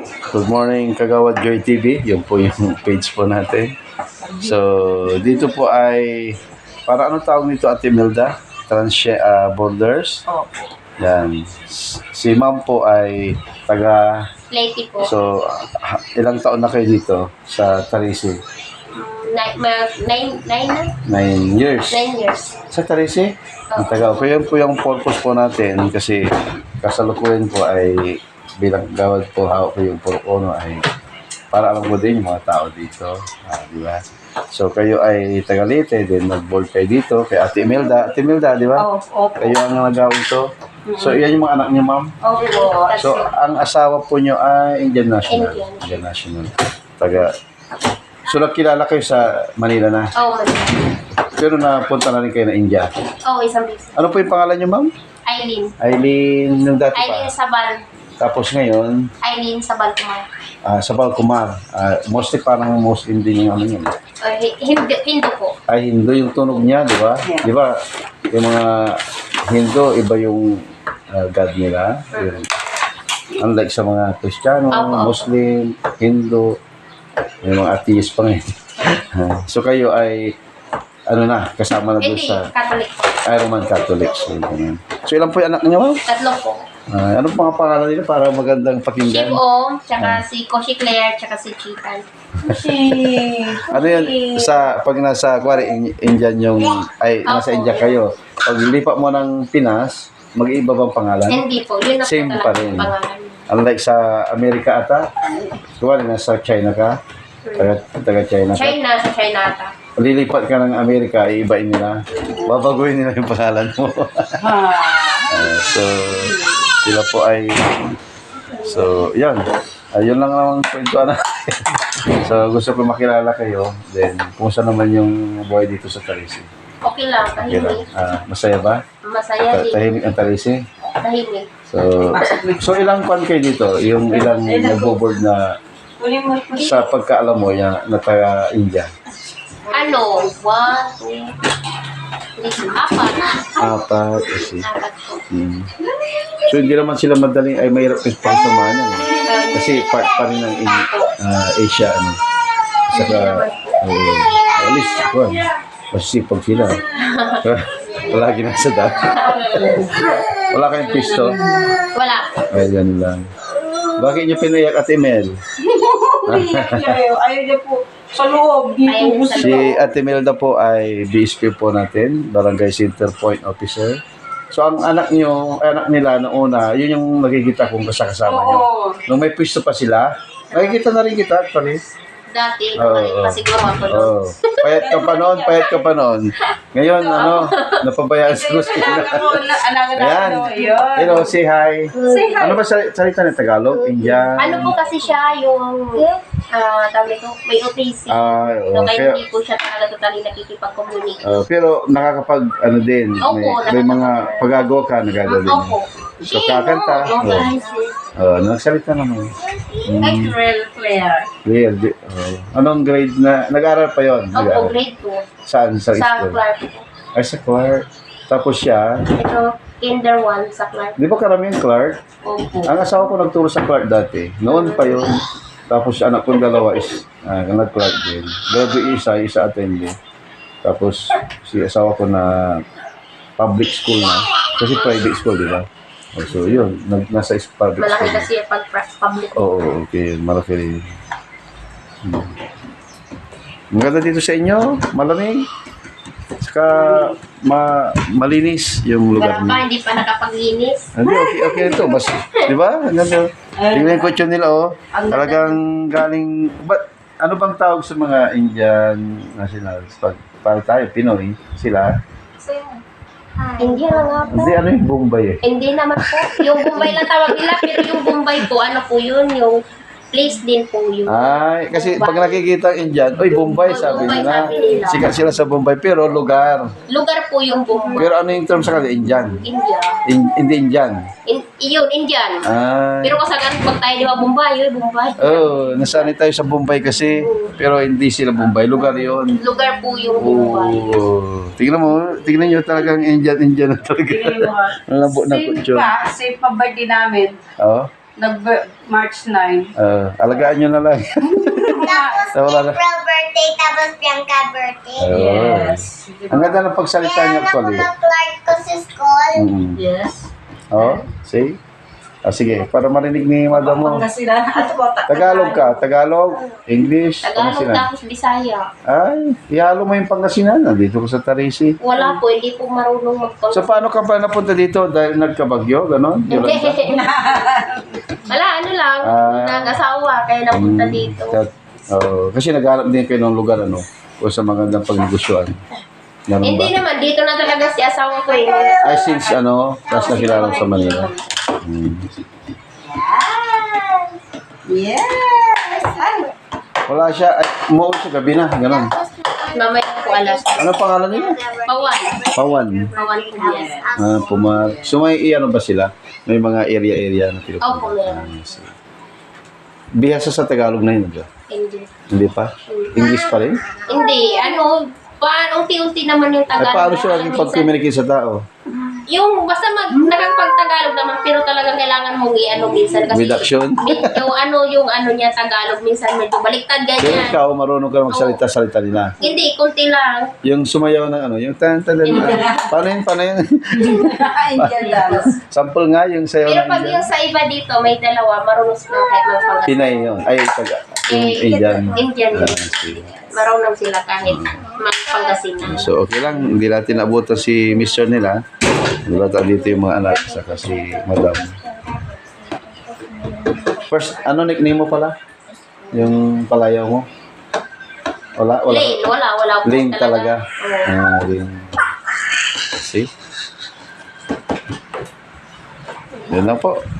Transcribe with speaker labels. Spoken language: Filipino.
Speaker 1: Good morning, Kagawad Joy TV. Yun po yung page po natin. So, dito po ay, para ano tawag nito, Ate Milda? Borders.
Speaker 2: Opo.
Speaker 1: Yan. Si ma'am po ay taga,
Speaker 3: Lady po.
Speaker 1: so, ilang taon na kayo dito sa Tarisi?
Speaker 3: 9 na?
Speaker 1: 9 years.
Speaker 3: 9 years.
Speaker 1: Sa Tarisi? Ang taga. Kaya yun po yung purpose po natin kasi kasalukuyan po ay bilang gawad po hawak ko yung Purok-Ono ay para alam ko din yung mga tao dito. Di ba? So, kayo ay taga Leyte, then nag-board kayo dito kay Ate Imelda. Ate Imelda, di ba?
Speaker 2: Opo.
Speaker 1: Kayo ang nagawin to. So, iyan yung mga anak niyo, ma'am?
Speaker 2: Opo.
Speaker 1: So, ang asawa po niyo ay Indian National.
Speaker 3: Indian.
Speaker 1: National. Taga. So, nakilala kayo sa Manila na.
Speaker 3: Oo,
Speaker 1: Pero napunta na rin kayo na India.
Speaker 3: Oo, isang business.
Speaker 1: Ano po yung pangalan niyo, ma'am?
Speaker 3: Eileen.
Speaker 1: Eileen, nung dati
Speaker 3: Eileen
Speaker 1: pa.
Speaker 3: Sabal.
Speaker 1: Tapos ngayon,
Speaker 3: Eileen Sabal kumar.
Speaker 1: sa Balcomar. Mostly parang Muslim din yung ano yun.
Speaker 3: Hindu po.
Speaker 1: Ay, Hindu yung tunog niya, di ba?
Speaker 2: Yeah.
Speaker 1: Di ba? Yung mga Hindu, iba yung God nila. Yung, unlike sa mga Kristiyano,
Speaker 3: Opo.
Speaker 1: Muslim, Hindu, yung mga atheist pa ngayon. So kayo ay, ano na, kasama na doon
Speaker 3: Hindi,
Speaker 1: sa
Speaker 3: Catholic po.
Speaker 1: Roman Catholics. So ilan po yung anak niyo, ma'am?
Speaker 3: Tatlo po.
Speaker 1: Anong mga pangalan nila para magandang pakinggan?
Speaker 3: Shiv-O, tsaka si Koshi Claire, tsaka si Chitan.
Speaker 1: Ano yun, pag nasa, kuwari, Indian yung, nasa
Speaker 3: Opo.
Speaker 1: India kayo, pag lipat mo ng Pinas, mag-iiba bang pangalan?
Speaker 3: Hindi po, yun na po
Speaker 1: Same pa
Speaker 3: talaga
Speaker 1: rin.
Speaker 3: yung pangalan.
Speaker 1: Unlike sa Amerika ata, kuwari, nasa China ka, taga China ka,
Speaker 3: China, sa China ata.
Speaker 1: lilipat ka ng Amerika, iibain nila, babaguhin nila yung pangalan mo. So, sila po ay, so, yan. Ayun lang naman kwento na. So, gusto ko makilala kayo. Then, kumusta naman yung buhay dito sa Tarisi?
Speaker 3: Okay lang,
Speaker 1: Okay lang.
Speaker 3: tahimik.
Speaker 1: Masaya ba?
Speaker 3: Masaya din.
Speaker 1: Tahimik ang Tarisi?
Speaker 3: Tahimik.
Speaker 1: So ilang kwan kayo dito? Yung ilang nagbo-board na sa pagkaalam mo yan, na taga India?
Speaker 3: Ano? 1, 2, 3, 4.
Speaker 1: Apat, kasi.
Speaker 3: 4 po.
Speaker 1: So hindi naman sila madaling, ay mahirap yung pagsamahan yan. Kasi part pa rin ng Asia, ano. Saka, at least, kwan, masisipag sila. Palagi nasa dati. Wala kayong pisto?
Speaker 3: Wala.
Speaker 1: Ay, ganun lang. Bakit niyo pinayak Ate Mel?
Speaker 2: Ayaw niya po sa loob.
Speaker 3: Ayaw niya sa
Speaker 1: Si Ate Melda po ay BSP po natin, Barangay Center Point Officer. So ang anak nila noong una, yun yung nakikita kong kasama nyo.
Speaker 2: Oo.
Speaker 1: Nung may pwesto pa sila, nakikita na rin kita actually.
Speaker 3: Dati,
Speaker 1: Oo,
Speaker 3: bumalik pa siguro ako noon.
Speaker 1: Oh, payat ka pa noon. Ngayon, napabayaan sa gusto na. Ayan. Hello, say hi.
Speaker 2: Say hi.
Speaker 1: Ano ba salita ng Tagalog? Indian?
Speaker 3: Ano po kasi siya yung, tawag nito, may OTC. So, kaya hindi po siya talaga totally nakikipag-communicate.
Speaker 1: Pero nakakapag, din,
Speaker 3: Opo,
Speaker 1: may mga pagagawa ka, nagagawa din.
Speaker 3: Opo.
Speaker 1: So, kakanta. Nagsalita naman.
Speaker 2: Ay, Claire.
Speaker 1: Real. Anong grade na? Nag-aaral pa yon?
Speaker 3: Opo, grade 2.
Speaker 1: Saan? Sa
Speaker 3: Sa
Speaker 1: school?
Speaker 3: Clark po.
Speaker 1: Ay, sa Clark. Tapos siya,
Speaker 3: Ito, kinder 1 sa Clark.
Speaker 1: di ba karamihan Clark?
Speaker 3: Opo.
Speaker 1: Ang asawa ko nagturo sa Clark dati. Noon pa yun. Tapos anak kong dalawa is nag-Clark din. Grabe isa attending. Tapos si asawa ko na public school na. Kasi private school, di ba? So yun, nasa public
Speaker 3: Malaki
Speaker 1: school.
Speaker 3: kasi pag public.
Speaker 1: Oo, okay. Malaki rin. Maganda dito sa inyo. Malamig. Saka malinis yung lugar
Speaker 3: Pero
Speaker 1: niyo.
Speaker 3: hindi pa nakapaglinis.
Speaker 1: Hindi, okay ito. Mas, di ba? Tingnan ko yun nila, oh. Talagang galing, ano bang tawag sa mga Indian nationals? Pag tayo, Pinoy, sila.
Speaker 3: Hindi na nga po.
Speaker 1: Hindi, ano yung Bombay eh.
Speaker 3: Hindi naman po. Yung Bombay lang tawag nila, pero yung Bombay po, ano po yun, yung place din po yun.
Speaker 1: Ay, kasi pag nakikita ang Indian, oy, Bombay, sabi
Speaker 3: Bombay,
Speaker 1: nila.
Speaker 3: sabi nila.
Speaker 1: Sikat sila sa Bombay, pero lugar.
Speaker 3: Lugar po yung Bombay.
Speaker 1: Pero ano yung term sa kanila? Indian.
Speaker 3: India.
Speaker 1: Hindi Indian.
Speaker 3: Yun, Indian.
Speaker 1: Ay.
Speaker 3: Pero kasagan pag tayo di ba Bombay, yun, Bombay.
Speaker 1: Oh, nasanay tayo sa Bombay kasi, pero hindi sila Bombay. Lugar yon.
Speaker 3: Lugar po yung Bombay.
Speaker 1: Oh, tingnan nyo talagang Indian na talaga. Ang labo na
Speaker 2: Same
Speaker 1: kutyo.
Speaker 2: pa, same pa birthday namin.
Speaker 1: Oh,
Speaker 2: March 9.
Speaker 1: Alagaan nyo na lang.
Speaker 4: Tapos
Speaker 1: Wala na.
Speaker 4: April birthday, tapos Bianca birthday.
Speaker 2: Yes.
Speaker 1: Ang ganda ng pagsalita niyo
Speaker 4: Kaya
Speaker 1: actually.
Speaker 4: na Clark ko sa school.
Speaker 2: Yes.
Speaker 1: Oh, see? Sige, para marinig ni madam mo.
Speaker 2: Pangasinan. At po,
Speaker 1: Tagalog ka, Tagalog, English,
Speaker 3: Tagalog
Speaker 1: Pangasinan.
Speaker 3: tapos Bisaya.
Speaker 1: Ay, ihalo mo yung Pangasinan. Nandito ko sa Tarisi.
Speaker 3: Wala po, hindi po marunong
Speaker 1: So,
Speaker 3: magpang...
Speaker 1: paano ka pa napunta dito? Dahil nagkabagyo, gano'n?
Speaker 3: Hindi. Wala, ano lang. Nag-asawa, kaya napunta dito.
Speaker 1: Kasi naghanap din kayo ng lugar, ano? O sa magandang pagnegosyoan. Ganun ba?
Speaker 3: Hindi naman, dito na talaga si asawa ko eh.
Speaker 1: Ay, since ano, tapos nakilala ko sa Manila.
Speaker 2: Yes. Ay.
Speaker 1: Wala siya, ay, umuwi siya gabi na, gano'n.
Speaker 3: Mamaya po alas.
Speaker 1: Ano pangalan niya?
Speaker 3: Pawan.
Speaker 1: Pawan.
Speaker 3: Pawan po yan.
Speaker 1: So may ano ba sila? May mga area na pinupunta.
Speaker 3: Opo, meron.
Speaker 1: Bihasa sa Tagalog na yun, ba?
Speaker 3: Hindi.
Speaker 1: Hindi pa? English pa rin?
Speaker 3: Hindi, ano, unti-unti naman yung
Speaker 1: Ay,
Speaker 3: Tagalog.
Speaker 1: paano siya laging pag-communicate sa tao?
Speaker 3: Yung basta nakapag-Tagalog naman, pero talagang kailangan mong i-ano minsan. Kasi
Speaker 1: With action?
Speaker 3: yung ano niya Tagalog, minsan medyo baliktad
Speaker 1: Pero
Speaker 3: ganyan.
Speaker 1: ikaw, marunong ka magsalita-salita nila.
Speaker 3: Hindi, kunti lang.
Speaker 1: Yung sumayaw ng ano, yung tan-tan. Paano yun?
Speaker 2: Ay, yan lang.
Speaker 1: Sample nga, yung sayaw
Speaker 3: Pero
Speaker 1: ng
Speaker 3: pag yung sa iba dito, may dalawa, marunong sila kahit magpangat.
Speaker 1: Pinay yun. Ay, yung Indian.
Speaker 3: Indian.
Speaker 1: Sige.
Speaker 3: Marunong sila kahit magpangasinan.
Speaker 1: So, okay lang. Hindi natin abutan si mister nila. Wala tayo dito yung mga anak, saka si madam. First, ano nickname mo pala? Yung palayaw mo? Wala?
Speaker 3: Lane, wala po
Speaker 1: Lane talaga.
Speaker 3: Oo.
Speaker 1: Lane. See? Yun lang po.